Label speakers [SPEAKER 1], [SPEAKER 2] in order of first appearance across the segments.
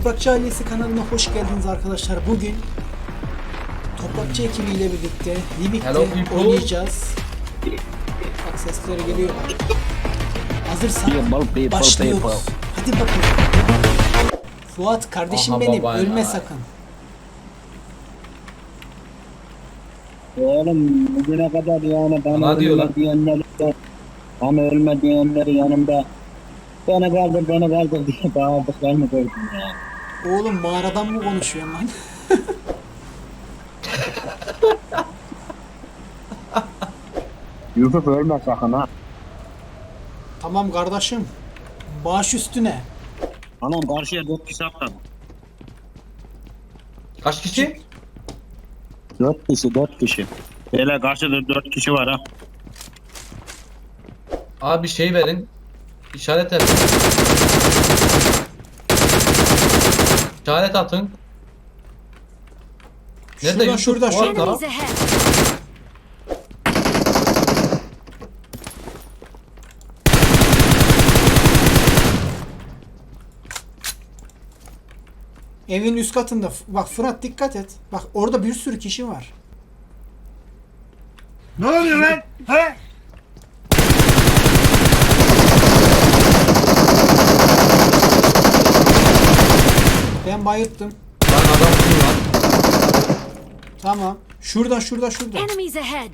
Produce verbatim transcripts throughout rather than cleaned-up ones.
[SPEAKER 1] Toprakçı Ailesi kanalına hoş geldiniz arkadaşlar. Bugün Toprakçı ekibiyle birlikte Livik'te oynayacağız. Bak sesleri geliyor. Hazırsan başlıyoruz. Hadi bakalım. Fuat kardeşim Aha, benim ölme ya. Sakın.
[SPEAKER 2] Oğlum bugüne kadar yani bana ölme diyenler, bana ölme diyenleri yanımda beni kaldır beni kaldır diye bağırdıklarını gördüm ya.
[SPEAKER 1] Oğlum mağaradan mı konuşuyorsun lan?
[SPEAKER 2] Yusuf ölme sakın ha.
[SPEAKER 1] Tamam kardeşim. Baş üstüne.
[SPEAKER 2] Anam karşıya dört kişi atladı.
[SPEAKER 3] Kaç kişi?
[SPEAKER 2] Dört kişi dört kişi. Böyle karşıda dört kişi var ha.
[SPEAKER 3] Abi şey verin. İşaret edin. İşaret atın. Nerede
[SPEAKER 1] Şurada
[SPEAKER 3] Yusuf?
[SPEAKER 1] şurada şurada.
[SPEAKER 3] Orada.
[SPEAKER 1] Evin üst katında. Bak Fırat dikkat et. Bak orada bir sürü kişi var.
[SPEAKER 4] Ne oluyor lan? He?
[SPEAKER 1] Ben bayılttım.
[SPEAKER 3] Lan adam kim lan?
[SPEAKER 1] Tamam. Şurada şurada şurada.
[SPEAKER 5] Enemies ahead.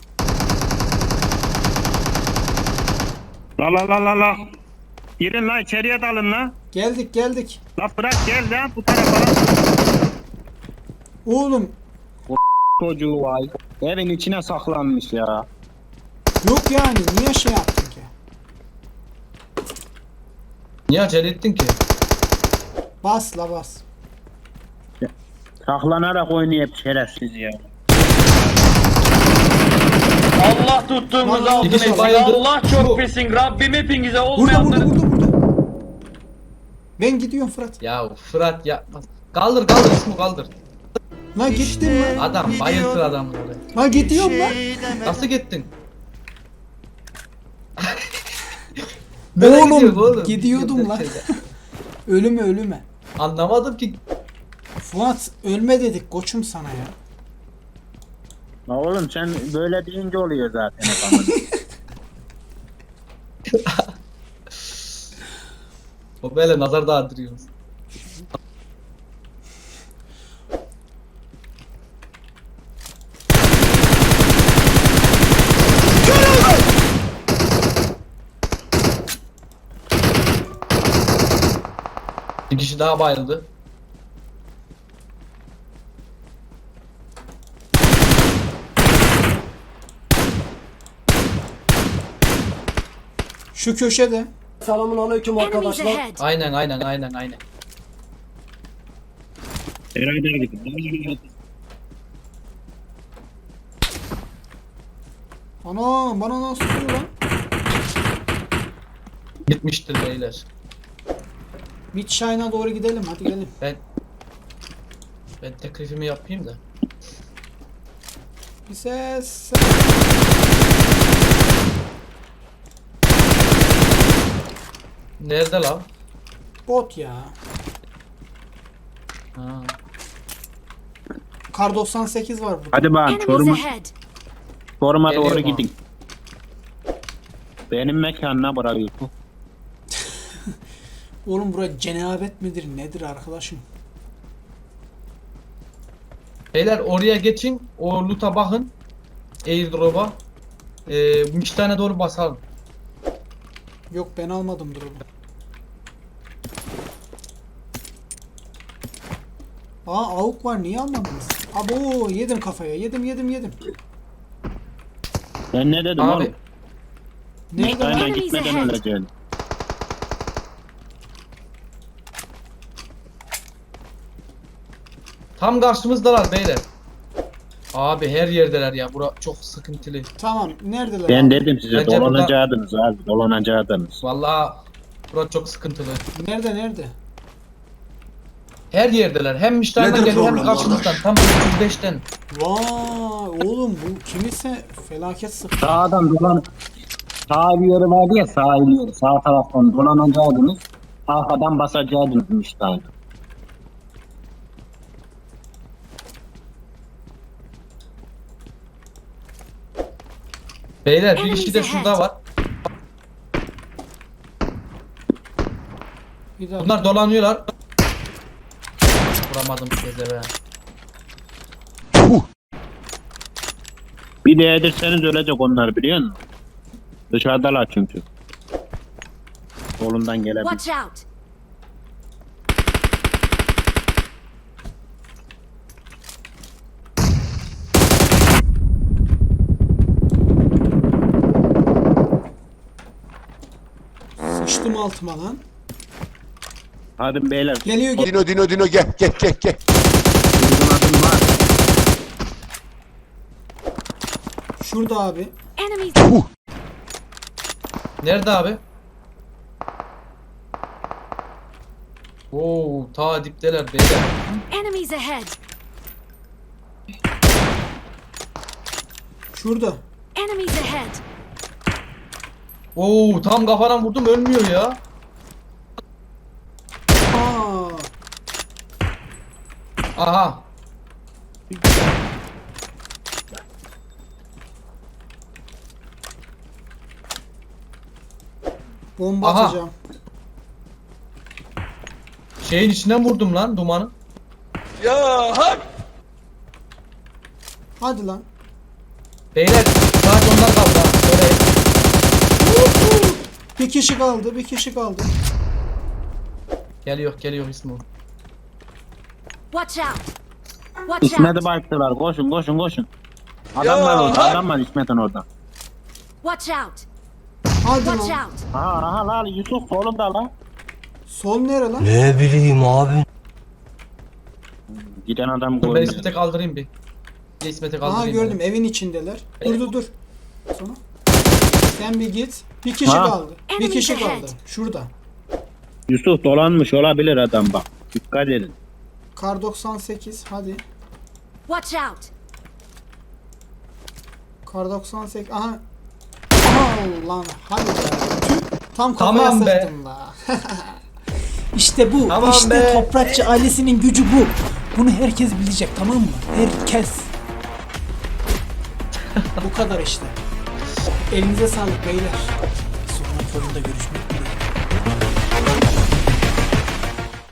[SPEAKER 2] La la la la la. Girin la içeriye dalın la.
[SPEAKER 1] Geldik geldik.
[SPEAKER 2] La bırak gel la bu tarafa.
[SPEAKER 1] Oğlum
[SPEAKER 2] Çocuğu vay. Evin içine saklanmış ya.
[SPEAKER 1] yok yani niye şey yaptın ki?
[SPEAKER 3] Niye acele ettin ki?
[SPEAKER 1] Bas la bas.
[SPEAKER 2] Saklanarak oynayıp şerefsiz ya.
[SPEAKER 4] Allah tuttuğumuz
[SPEAKER 1] Lan,
[SPEAKER 4] altın
[SPEAKER 3] ikisi
[SPEAKER 4] etsin.
[SPEAKER 3] bayıldı.
[SPEAKER 4] Allah
[SPEAKER 3] Bu.
[SPEAKER 4] çok pisin. Rabbim hepinize
[SPEAKER 1] Burada burada
[SPEAKER 4] olmayanları...
[SPEAKER 1] burada burada. Ben gidiyorum Fırat.
[SPEAKER 3] Ya Fırat yapma. Kaldır kaldır ismi kaldır.
[SPEAKER 1] Lan gittim lan.
[SPEAKER 3] Adam bayıltır adamı oraya.
[SPEAKER 1] Lan gidiyorum lan.
[SPEAKER 3] Nasıl gittin? Nereye
[SPEAKER 1] Oğlum,
[SPEAKER 3] gidiyorsun oğlum?
[SPEAKER 1] gidiyordum lan. Ölüme ölüme.
[SPEAKER 3] Anlamadım ki.
[SPEAKER 1] Fuat ölme dedik koçum sana ya.
[SPEAKER 2] La oğlum sen böyle deyince oluyor zaten adamın.
[SPEAKER 3] O böyle nazar dağıtırıyoruz. Bir kişi daha bayıldı.
[SPEAKER 1] Şu köşede.
[SPEAKER 6] Selamun aleyküm
[SPEAKER 5] Enemies
[SPEAKER 6] arkadaşlar.
[SPEAKER 5] ahead.
[SPEAKER 3] Aynen aynen aynen aynen.
[SPEAKER 2] Beraber gidin.
[SPEAKER 1] Ana bana nasıl oluyor lan?
[SPEAKER 3] Gitmiştir beyler.
[SPEAKER 1] Mid Shine'a doğru gidelim hadi gelin.
[SPEAKER 3] Ben ben teklifimi yapayım da.
[SPEAKER 1] Bir ses.
[SPEAKER 3] Nerede lan?
[SPEAKER 1] Bot ya.
[SPEAKER 3] Ha.
[SPEAKER 1] Kar doksan sekiz var burada.
[SPEAKER 2] Hadi bakalım
[SPEAKER 5] Enemies
[SPEAKER 2] soruma,
[SPEAKER 5] ahead.
[SPEAKER 2] soruma
[SPEAKER 3] Geliyor
[SPEAKER 2] doğru
[SPEAKER 3] mu?
[SPEAKER 2] gidin. Benim mekanına bırakıyorsun.
[SPEAKER 1] Oğlum bura cenabet midir nedir arkadaşım?
[SPEAKER 3] Beyler oraya geçin. O loot'a bakın. Airdrop'a. Ee, iki tane doğru basalım.
[SPEAKER 1] Yok ben almadım durumu. Aa avuk var niye almadınız? Abo yedim kafaya yedim yedim yedim.
[SPEAKER 2] Ben ne dedim
[SPEAKER 3] Abi
[SPEAKER 2] oğlum?
[SPEAKER 1] Nerede lan?
[SPEAKER 2] Aynen
[SPEAKER 5] Enemies
[SPEAKER 2] gitmeden
[SPEAKER 5] ahead.
[SPEAKER 2] öleceğim.
[SPEAKER 3] tam karşımızdalar beyler. Abi her yerdeler ya. Bura çok sıkıntılı.
[SPEAKER 1] Tamam neredeler?
[SPEAKER 2] Ben
[SPEAKER 1] abi?
[SPEAKER 2] dedim size
[SPEAKER 3] Bence
[SPEAKER 2] dolanacaktınız abi dolanacaktınız.
[SPEAKER 3] Vallahi bura çok sıkıntılı.
[SPEAKER 1] Nerede nerede?
[SPEAKER 3] Her yerdeler. Hem işlerden geliyor hem karşımızdan. Tam üç yüz beşten.
[SPEAKER 1] Vay oğlum bu kimse felaket sıktı.
[SPEAKER 2] Sağdan dolan sağ bir yeri vardı ya sağ bir yeri sağ taraftan dolanacaktınız. Arkadan basacaktınız işte.
[SPEAKER 3] Beyler bir kişi de şurada var.
[SPEAKER 1] Bir dakika.
[SPEAKER 3] Bunlar dolanıyorlar. Vuramadım size be.
[SPEAKER 2] Bir de yedirseniz ölecek onlar biliyor musun? Dışarıdalar çünkü. Solundan gelebilir.
[SPEAKER 5] Watch out!
[SPEAKER 1] Sıçtım altıma lan.
[SPEAKER 2] Hadi beyler.
[SPEAKER 1] Geliyor gel.
[SPEAKER 6] Dino Dino Dino gel gel gel gel.
[SPEAKER 2] Uzun adım var.
[SPEAKER 1] Şurada abi.
[SPEAKER 5] Enemies!
[SPEAKER 3] Nerede abi? Oo, ta dipteler beyler.
[SPEAKER 5] Enemies ahead!
[SPEAKER 1] Şurada.
[SPEAKER 5] Enemies ahead!
[SPEAKER 3] Oo, tam kafadan vurdum ölmüyor ya.
[SPEAKER 1] Aa.
[SPEAKER 3] Aha.
[SPEAKER 1] Bomba
[SPEAKER 3] Aha.
[SPEAKER 1] atacağım.
[SPEAKER 3] Şeyin içinden vurdum lan dumanı.
[SPEAKER 1] Hadi lan.
[SPEAKER 3] Beyler sadece onlar kaldı ha. Oraya.
[SPEAKER 1] Bir kişi kaldı, bir kişi kaldı.
[SPEAKER 3] Geliyor geliyor İsmo.
[SPEAKER 5] Watch out! Watch
[SPEAKER 2] İsmet'i
[SPEAKER 5] out!
[SPEAKER 2] baktılar. Koşun koşun koşun. Adam var orada. Adam var İsmet'in orada.
[SPEAKER 5] Watch out!
[SPEAKER 1] Hadi
[SPEAKER 5] Watch
[SPEAKER 1] lan.
[SPEAKER 5] out!
[SPEAKER 2] Aha aha lan Yusuf solunda lan.
[SPEAKER 1] Sol nere lan?
[SPEAKER 7] Ne bileyim abi.
[SPEAKER 2] Giden adam
[SPEAKER 3] Dur ben
[SPEAKER 2] görmüyor.
[SPEAKER 3] İsmet'e kaldırayım bir. Bir de İsmet'e
[SPEAKER 1] Aha
[SPEAKER 3] kaldırayım.
[SPEAKER 1] gördüm evin içindeler. Dur dur dur. Sonra. Sen bir git. Bir kişi
[SPEAKER 2] Ha.
[SPEAKER 1] kaldı. Bir
[SPEAKER 5] Enemies
[SPEAKER 1] kişi
[SPEAKER 5] ahead.
[SPEAKER 1] kaldı. Şurada.
[SPEAKER 2] Yusuf dolanmış olabilir adam bak. Dikkat edin.
[SPEAKER 1] Kar doksan sekiz hadi.
[SPEAKER 5] Watch out!
[SPEAKER 1] Kar doksan sekiz. Aha. Aha lan hadi be. Tüh. Tam kafaya
[SPEAKER 3] Tamam be.
[SPEAKER 1] sıktım la. İşte bu.
[SPEAKER 3] Tamam
[SPEAKER 1] işte
[SPEAKER 3] be.
[SPEAKER 1] Toprakçı ailesinin gücü bu. Bunu herkes bilecek tamam mı? Herkes. Bu kadar işte. Elinize sağlık beyler. Sonraki oyunda görüşmek dileğiyle.